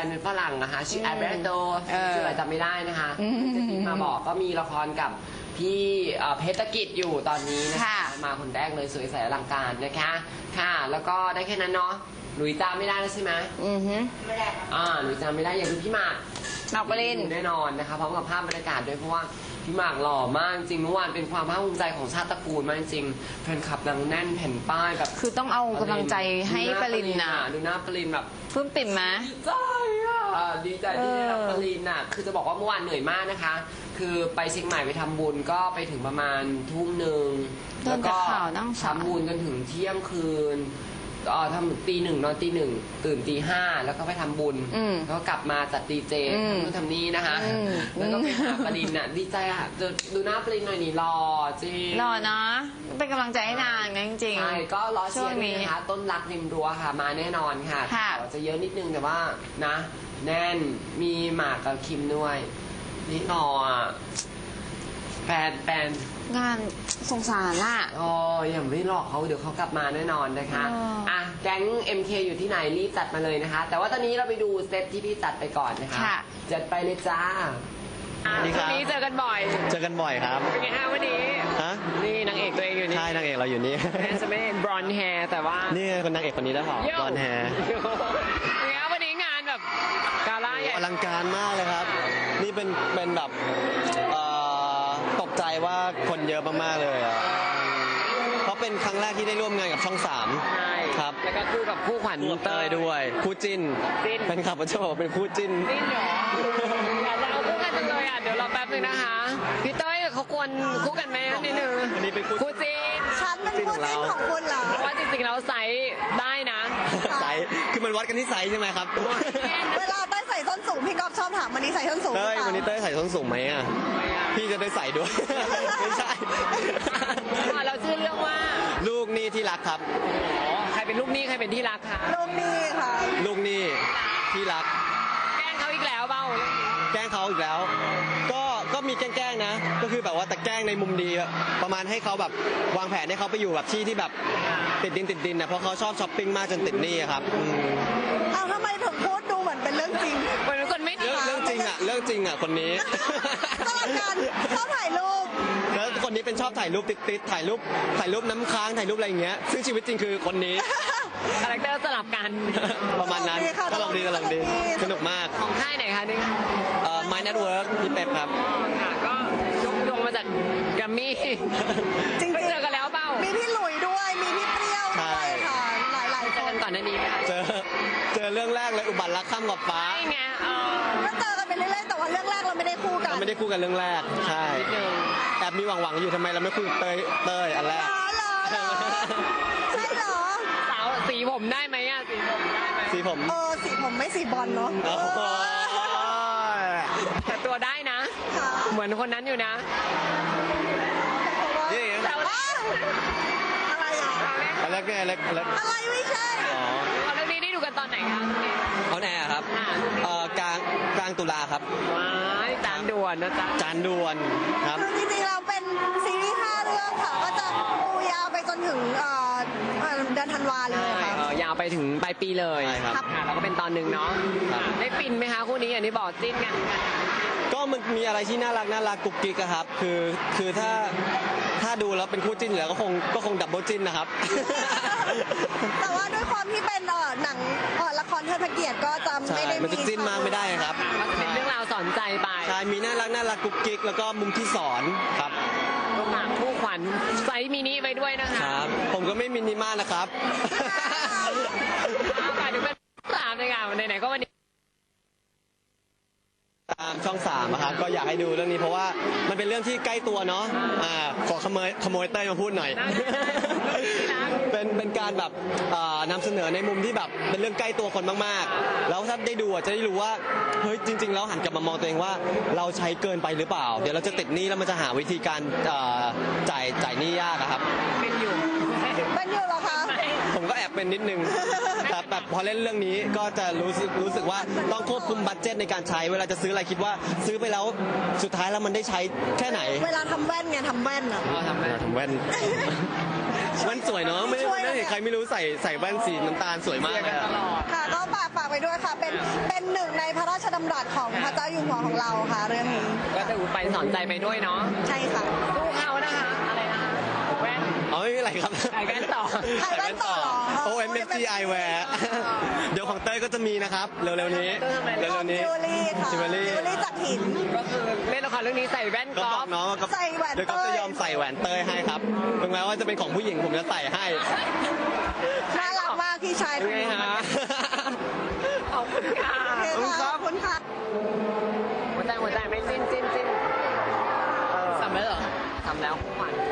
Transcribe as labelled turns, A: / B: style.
A: นเป็นฝรั่งนะคะชื่อแอลเบร์โตชื่ออะไรจำไม่ได้นะคะที่มาบอกก็มีละครกับพี่เพชรกิจอยู่ตอนนี้นะคะมาคนแรกเลยสวยใสอลังการนะคะค่ะแล้วก็ได้แค่นั้นเนาะหลุยจำไม่ได้แล้วใช่ไหมไม่ได้หลุยจำไม่ได้อย่างดูพี่หมาก
B: ปริน
A: แน่นอนนะคะพร้อมกับภาพบรรยากาศด้วยเพราะว่าพี่หมากหล่อมากจริงเมื่อวานเป็นความภาคภูมิใจของชาติตระกูลมากจริงแฟนคลับดังแน่นแผ่นป้ายแบบ
B: คือต้องเอากำลังใจให้ปรินน่ะ
A: ดูหน้าปรินแบบ
B: ปลื้มปิ่มไหม
A: ดีใจที่ได้รับปรินน่ะคือจะบอกว่าเมื่อวานเหนื่อยมากนะคะคือไปเชียงใหม่ไปทำบุญก็ไปถึงประมาณทุ่มหนึ่งแล้วก็ทำบุญจนถึงเที่ยงคืนทำตีหนึ่งนอนตีหนึ่งตื่นตีห้าแล้วก็ไปทำบุญแล้วก็กลับมาจัดดีเจทำนู่นทำนี่นะคะแล้วก็ไปหาปรินน่ะดีใจอ่ะดูหน้าปรินหน่อยนี่หล่อจริง
B: หล่อนะเป็นกำลังใจให้นางนะจริง
A: ใช่ก็รอเชียร์นี่นะคะต้นรักริมรั้วค่ะมาแน่นอนค่ะจะเยอะนิดนึงแต่ว่านะแน่นมีหมากกับคิมด้วยนี่หล่อแฟน
B: งานสงสารล่ะ
A: อย่าไม่หลอกเขาเดี๋ยวเขากลับมาแน่นอนนะคะแก๊ง MK อยู่ที่ไหนรีบจัดมาเลยนะคะแต่ว่าตอนนี้เราไปดูเซตที่พี่จัดไปก่อนนะคะจัดไปเลยจ้าวันนี้เจอกันบ่อย
C: ครับ
A: เป็นไงฮะวันนี้นี่นางเอกตัวเองอยู่นี่
C: ใช่นางเอกเราอยู่นี่
A: จะไม่บรอนแฮร์แต่ว่า
C: นี่คนนางเอกคนนี้ได้หรอบรอนแฮร์
A: วันนี้งานแบบกาล่าใหญ่
C: อลังการมากเลยครับนี่เป็นแบบตกใจว่าคนเยอะมากๆเลยเพราะเป็นครั้งแรกที่ได้ร่วมงานกับช่อง3ครับ
A: แล้วก็คู่กับคู่ขวัญ
C: เตยด้วยคู่จิ้นเป็นขับประโชว์เป็นคู่จิ้น
A: เหรออยากจะเอาคู่กันจังเลยเดี๋ยวรอแป๊บนึงนะคะพี่เต้ยเขาควรคู่กันไหมนิดนึง
C: อันนี้เป็น
A: คู่จิ้น
D: ฉันเป็นคู่จิ้นของคุณเหรอ
A: ว่าจริงๆแล้วไซส์ได้นะ
C: ไซส์คือมันวัดกันที่ไซส์ใช่ไหมครับ
D: เวลาเต้ยใส่ส้นสูงพี่ก๊อฟชอบถามวันนี้ใส่ส้นสูง
C: วันนี้เต้ยใส่ส้นสูงไหมพี่จะได้ใส่ด้วยไม่ใช่
A: เราชื่อเรื่องว่า
C: ลูกหนี้ที่รักครับ
A: ใครเป็นลูกหนี้ใครเป็นที่รักคะ
D: ลูกหนี้ค่ะ
C: ลูกหนี้ที่รัก
A: แกล้งเขาอีกแล้วเปล่า
C: แกล้งเขาอีกแล้วก็มีแกล้งนะก็คือแบบว่าแต่แกล้งในมุมดีประมาณให้เขาแบบวางแผนให้เขาไปอยู่แบบที่แบบติดดินนะเพราะเขาชอบช้อปปิ้งมากจนติดหนี้ครับ
D: ทำไมถึงพูดดูเหมือนเป็นเรื่องจริง
A: เหมือนคนไม่ดี
C: เรื่องจริงคนนี้
D: ตลอดการชอบถ่ายรูป
C: แล้วคนนี้เป็นชอบถ่ายรูปติดถ่ายรูปน้ำค้างถ่ายรูปอะไรอย่างเงี้ยซึ่งชีวิตจริงคือคนนี้
A: คาแรคเตอร์สลับกัน
C: ประมาณนั้นก็ลองดีสนุกมาก
A: ของค่ายไหนคะนี่
C: My Network พี่เป๊ปครับ
A: ก็ยกมาจากแกรมมี่
D: จริง
A: เจอกันแล้วเปล่า
D: มีพี่หลุยด้วยมีพี่เปรี้ยวด้วยค่ะหลายคน
A: ก่อนหน้านี้
C: เจอเรื่องแรกเลยอุบัติรักข้ามกับฟ้า
A: ใช่ไง
D: ก็เจอกันไปเรื่อยๆแต่ว่าเรื่องแรกเราไม่ได้คู่กัน
C: เรื่องแรกใช่แอบมีหวังอยู่ทำไมเราไม่คุยเต้ยอันแรก
D: ใช่เหรอ
A: สาวสีผมได้ไหม
C: สีผม
D: สีผมไม่สีบอลเนาะ
A: แต่ตัวได้นะเหมือนคนนั้นอยู่นะ
D: อะไร
C: อะไร
D: ไม่ใช่
A: เรื่องนี้ได้ดูกันตอนไหนคะ
C: เขาแน่ครับกลางตุลาครับ
A: จานด่วนนะจ๊ะ
C: จานด่วนครับ
D: คือจริงๆเราเป็นซีรีส์5 เรื่องค่ะก็จะปูยาวไปจนถึงเดือนธันวาเลยค่ะ
A: ยาวไปถึงปลายปีเลย
C: ครับ
A: แล้วก็เป็นตอนหนึ่งเนาะได้ฟินไหมคะคู่นี้อย่างที่บอกจิ้นกัน
C: ก็มันมีอะไรที่น่ารักกุ๊กกิ๊กครับคือถ้าดูแล้วเป็นคู่จิ้นแล้วก็คงดับเบิลจิ้นนะครับ
D: แต่ว่าด้วยความที่เป็นหนังละครเทิดพระเกียรติก็จะไม่ได้
C: มันจะจิ้นมากไม่ได้ครับ
A: เป็นเรื่องราวสอนใจไป
C: ใช่มีน่ารักกุ๊กกิ๊กแล้วก็มุมที่สอนครับ
A: คู่ขวัญไซส์มินิไปด้วยนะคะ
C: ครับผมก็ไม่มินิมากนะครับ
A: ฝากถึงเป็น3เลยค่ะไหนๆก็วันนี้
C: ตามช่อง3นะครับก็อยากให้ดูเรื่องนี้เพราะว่ามันเป็นเรื่องที่ใกล้ตัวเนาะขอขโมยเต้ยมาพูดหน่อยเป็นการแบบนำเสนอในมุมที่แบบเป็นเรื่องใกล้ตัวคนมากๆแล้วถ้าได้ดูจะได้รู้ว่าเฮ้ยจริงๆแล้วหันกลับมามองตัวเองว่าเราใช้เกินไปหรือเปล่าเดี๋ยวเราจะติดหนี้แล้วมันจะหาวิธีการจ่ายหนี้ยากครับ
D: เป็นอยู่เหรอคะ
C: ผมก็แอบเป็นนิดนึงแต่แบบพอเล่นเรื่องนี้ก็จะรู้สึกว่าต้องควบคุมบัดเจ็ตในการใช้เวลาจะซื้ออะไรคิดว่าซื้อไปแล้วสุดท้ายแล้วมันได้ใช้แค่ไหน
D: เวลาทำแว่นไงทำแว่นอ่ะ
C: ทำแว่นแว่นสวยเนาะไม่ได้เห็นใครไม่รู้ใส่แว่นสีน้ำตาลสวยมากเลย
D: ค่ะก็ฝากไปด้วยค่ะเป็นหนึ่งในพระราชดำรัสของพระเจ้าอยู่หัวของเราค่ะเรื่องนี้
A: ก็จะไปสอนใจไปด้วยเนาะ
D: ใช่ค่ะ
A: สู้เขานะคะอะไรนะคะแว่น
C: อ๋อไม่มีอะไรครับ
A: ถ่ายแว่นต่อ
D: ถ่ายแว่นต่อเหรอ
C: OMFG Eyewear เดี๋ยวของเต้ยก็จะมีนะครับ เร็วๆนี้ เร็วๆนี้
D: จิวเวลรี่ค่ะ
C: จิวเวลรี่
D: จากหิน
A: ก็คือเล่นละครเรื่องนี้ใส่แว่น
C: ก็
A: ก
C: บ
A: อ
C: อ
A: ล์
C: ก
A: ฟ
C: น้องว่า
D: ใส่แหวน
C: เดี๋ยวก็
D: เต้
C: จะ
D: ย
C: ยอมใส่แหวนเต้ยให้ครับถึงแม้ว่าจะเป็นของผู้หญิงผมจะใส่ให้
D: น่ารักมากพี่ชาย
A: เป็นไงฮะขอบคุณค่ะ
D: โอเคค่ะขอบคุณค่ะ
A: หัวใจไม่จิ้นทำแล้วเหรอทำแล้วขวัญ